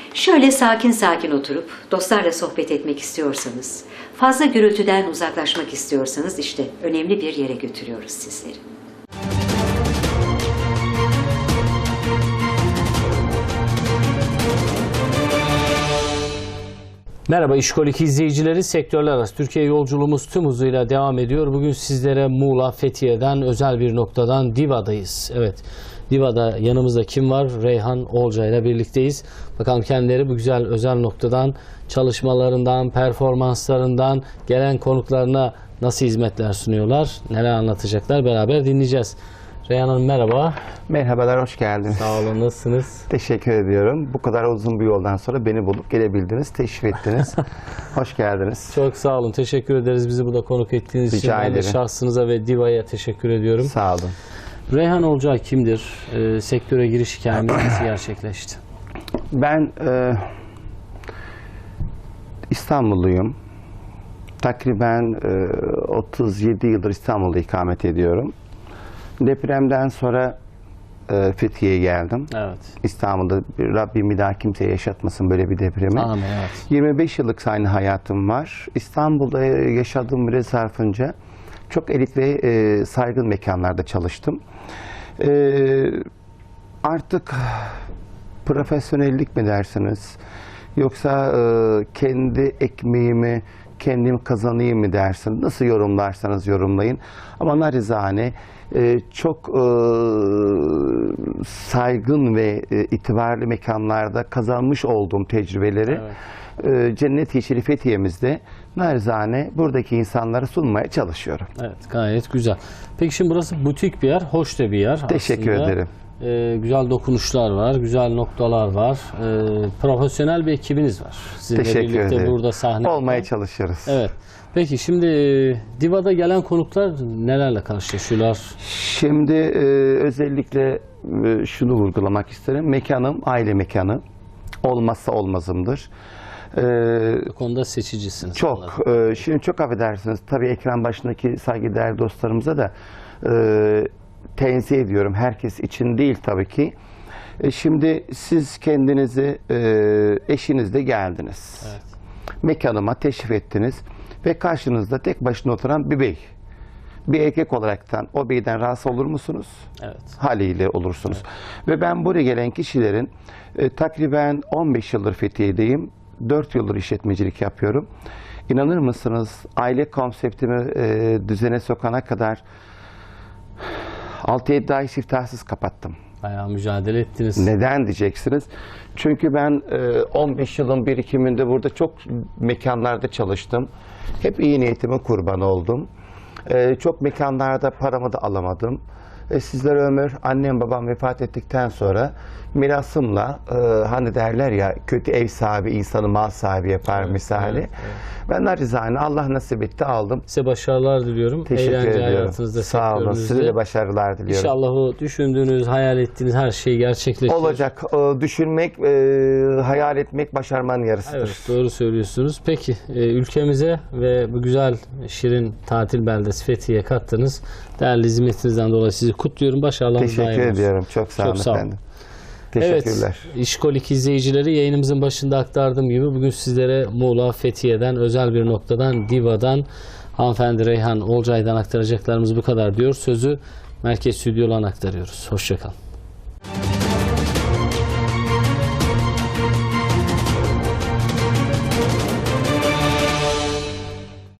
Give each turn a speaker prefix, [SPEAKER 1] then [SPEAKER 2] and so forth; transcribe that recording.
[SPEAKER 1] Şöyle sakin sakin oturup dostlarla sohbet etmek istiyorsanız, fazla gürültüden uzaklaşmak istiyorsanız işte önemli bir yere götürüyoruz sizleri.
[SPEAKER 2] Merhaba İşkolik izleyicileri, sektörler arası Türkiye yolculuğumuz tüm hızıyla devam ediyor. Bugün sizlere Muğla, Fethiye'den özel bir noktadan Diva'dayız. Evet, Diva'da yanımızda kim var? Reyhan Olcay ile birlikteyiz. Bakalım kendileri bu güzel özel noktadan, çalışmalarından, performanslarından, gelen konuklarına nasıl hizmetler sunuyorlar, neler anlatacaklar beraber dinleyeceğiz. Reyhan Hanım merhaba.
[SPEAKER 3] Merhabalar, hoş geldiniz.
[SPEAKER 2] Sağ olun, nasılsınız?
[SPEAKER 3] Teşekkür ediyorum. Bu kadar uzun bir yoldan sonra beni bulup gelebildiniz, teşrif ettiniz. Hoş geldiniz.
[SPEAKER 2] Çok sağ olun, teşekkür ederiz bizi burada konuk ettiğiniz için.
[SPEAKER 3] Rica
[SPEAKER 2] Ben de
[SPEAKER 3] ederim.
[SPEAKER 2] şahsınıza ve Diva'ya teşekkür ediyorum.
[SPEAKER 3] Sağ olun.
[SPEAKER 2] Reyhan Olcay kimdir? Sektöre giriş hikayemiz nasıl gerçekleşti?
[SPEAKER 3] Ben İstanbulluyum. Takriben 37 yıldır İstanbul'da ikamet ediyorum. Depremden sonra Fethiye'ye geldim.
[SPEAKER 2] Evet.
[SPEAKER 3] İstanbul'da Rabbim bir daha kimseye yaşatmasın böyle bir depremi.
[SPEAKER 2] Amin, evet.
[SPEAKER 3] 25 yıllık aynı hayatım var. İstanbul'da yaşadığım süre zarfınca çok elit ve saygın mekanlarda çalıştım. Artık profesyonellik mi dersiniz? Yoksa kendi ekmeğimi kendim kazanayım mı dersiniz? Nasıl yorumlarsanız yorumlayın. Ama narizane çok saygın ve itibarlı mekanlarda kazanmış olduğum tecrübeleri Cennet Yeşili Fethiye'mizde narizane buradaki insanlara sunmaya çalışıyorum.
[SPEAKER 2] Evet, gayet güzel. Peki şimdi burası butik bir yer, hoş da bir yer.
[SPEAKER 3] Teşekkür ederim.
[SPEAKER 2] Güzel dokunuşlar var, güzel noktalar var. Profesyonel bir ekibiniz var. Sizinle
[SPEAKER 3] Teşekkür
[SPEAKER 2] birlikte
[SPEAKER 3] ederim.
[SPEAKER 2] burada sahne
[SPEAKER 3] Olmaya çalışıyoruz.
[SPEAKER 2] Evet. Peki şimdi Diva'da gelen konuklar nelerle karşılaşıyorlar?
[SPEAKER 3] Şimdi özellikle şunu vurgulamak isterim. Mekanım aile mekanı. Olmazsa olmazımdır.
[SPEAKER 2] Bu konuda seçicisiniz.
[SPEAKER 3] Çok. Şimdi çok affedersiniz. Tabii ekran başındaki saygıdeğer dostlarımıza da tenzih ediyorum. Herkes için değil tabii ki. Şimdi siz kendinizi eşinizle geldiniz.
[SPEAKER 2] Evet.
[SPEAKER 3] Mekanıma teşrif ettiniz ve karşınızda tek başına oturan bir bey. Bir erkek olaraktan o beyden rahatsız olur musunuz?
[SPEAKER 2] Evet.
[SPEAKER 3] Haliyle olursunuz. Evet. Ve ben buraya gelen kişilerin takriben 15 yıldır Fethiye'deyim. 4 yıldır işletmecilik yapıyorum. İnanır mısınız aile konseptimi düzene sokana kadar 6-7 ay siftahsız kapattım.
[SPEAKER 2] Bayağı mücadele ettiniz.
[SPEAKER 3] Neden diyeceksiniz? Çünkü ben 15 yılın birikiminde burada çok mekanlarda çalıştım. Hep iyi niyetime kurban oldum. Çok mekanlarda paramı da alamadım. Sizlere ömür, annem babam vefat ettikten sonra mirasımla hani derler ya kötü ev sahibi insanı mal sahibi yapar misali. Evet. Ben narizane Allah nasip etti aldım.
[SPEAKER 2] Size başarılar diliyorum.
[SPEAKER 3] Teşekkür ediyorum.
[SPEAKER 2] Hayatınızda,
[SPEAKER 3] sağ olun. Size de başarılar diliyorum.
[SPEAKER 2] İnşallah o düşündüğünüz, hayal ettiğiniz her şey gerçekleşir.
[SPEAKER 3] Olacak. Düşünmek, hayal etmek başarmanın yarısıdır.
[SPEAKER 2] Evet, doğru söylüyorsunuz. Peki ülkemize ve bu güzel şirin tatil beldesi Fethiye'ye kattınız. Değerli hizmetinizden dolayı sizi kutluyorum. Başarılarınız daim olsun.
[SPEAKER 3] Teşekkür ediyorum. Çok sağ olun efendim. Teşekkürler.
[SPEAKER 2] Evet, İşkolik izleyicileri, yayınımızın başında aktardığım gibi bugün sizlere Muğla, Fethiye'den, özel bir noktadan, Diva'dan, hanımefendi Reyhan Olcay'dan aktaracaklarımız bu kadar diyor. Sözü merkez stüdyolarına aktarıyoruz. Hoşça kalın.